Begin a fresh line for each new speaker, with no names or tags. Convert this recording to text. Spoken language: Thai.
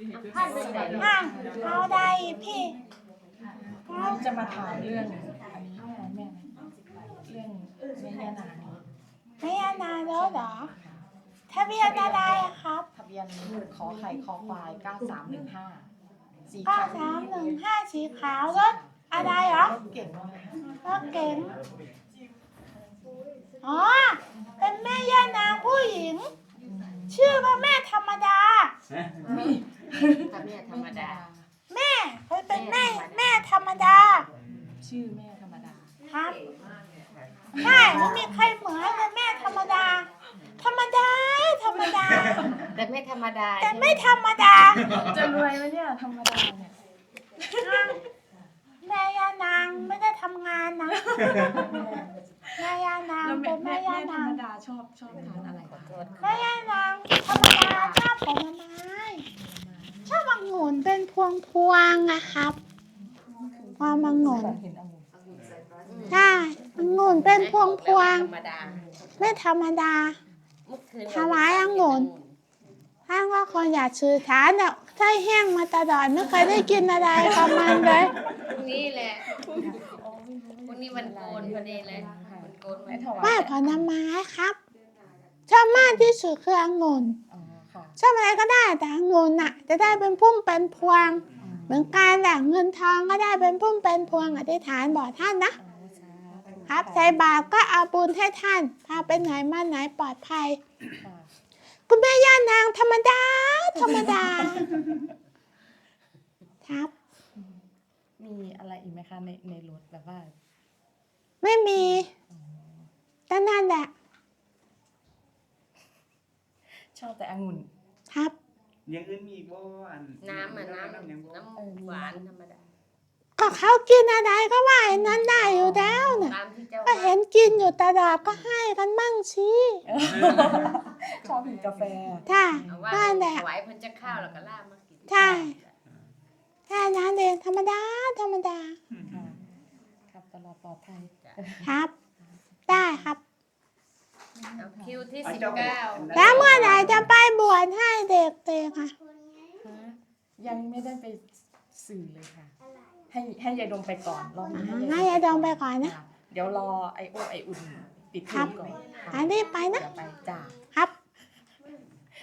เอาได้พี่
เราจะมาถามเรื่องอันนี้แม่เรื่องแม่ย่านางนี้
ไม่ยานานแล้วเหรอทะเบียนอะไรอะครับ
ทะเบียนขอไข่คอควาย9315สี
ก็
ขาว
315สีขาวรถอะไรเหรอ
รถเก่งมาก
รถเก๋งอ๋อเป็นแม่ย่านางผู้หญิง ชื่อว่าแม่ธรรมดา
แม่ธรรมดา
แม่เขาเป็นแม่ธรรมดา
ชื่อแม่ธรรมดา
ครับใช่ไม่มีใครเหมือนเลยแม่ธรรมดา ธรรมดา ธรรมดา
แต่ไม่ธรรมดา
แต่ไม่ธรรมดา
จะรวยไหมเนี่ยธรรมดาเนี่ย
แม่ย่านางไม่ได้ทำงานนะแม่ย่านาง
แล้ว
เป็นแม่ย่า
ธร
นาร ง
มดาชอบทานอะไรคะ
แม่ย่านางธรรมดาชอบผลไม้ชอบองุ่นเป็นพวงๆอะครับความองุ่น
เห็นองุ่น
ใช่องุ่นเป็นพวง
ธรรมดา
ๆไม่ธรรมดา
เมื่อคืน
ถวายองุ่น ท่านว่าคนอยากชื่อฐานเนี่ยไส้แห้งมาตลอดไม่เคยได้กินอะไรกับมันเลย
พรุ่งนี้แหละพรุ่งนี้วันโกนพอดีเลยวันโกน
ไม่ถวาย
ไหว้ผลไม้ครับชอบมากที่สุดคือองุ่น
อ๋อค่ะ
ชอบอะไรก็ได้แต่องุ่นน่ะจะได้เป็นพุ่มเป็นพวง เหมือนกันแหละเงินทองก็ได้เป็นพุ่มเป็นพวงอธิษฐานบอกท่านนะ ครับใส่บาตรก็เอาบุญให้ท่านพาไปไหนมาไหนปลอดภัย คุณแม่ย่านางธรรมดา ธรรมดา ครับ
มีอะไรอีกไหมคะในรถแบบว่า
ไม่มีแต่นั่นแหละ
ชอบแต่องุ่น
ครับ
อย่างอื่นมีอีกบ่อัน
น้ำอ่ะน้
ยังบ่
ำหวานธรรมดา
ก็เขากินอะไรก็ว่าไอ้นั้นได้อยู่แล้วน่ะ
ตามที่เจ้า
ก็เห็นกินอยู่ตลอดก็ให้กันมั่งสิ
ชอบกินกาแฟ
ใช่
เอาว่า
นั่นแหละ
ถวายเพิ่นจะข้าวแล้วก็ลาบมากิน
ใช่แค่นั้นเองธรรมดา ธรรมดา
ค่ะครับตลอดปลอดภัย
ครับ ได้ครับ
เอาคิวที่
เอา
19
เจ้า
แล้วเมื่อไหร่จะไปบวชให้เด็กๆอ่ะ
ยังไม่ได้ไปสื่อเลยค่ะ ให้ยายดมไปก่อนรอบนี้
ให้ยายดมไปก่อนนะ
เดี๋ยวรอไออุ่นปิด
ครั
เทอบ มก่อน
อันนี้ไปนะ
เดี๋ยวไปจ้า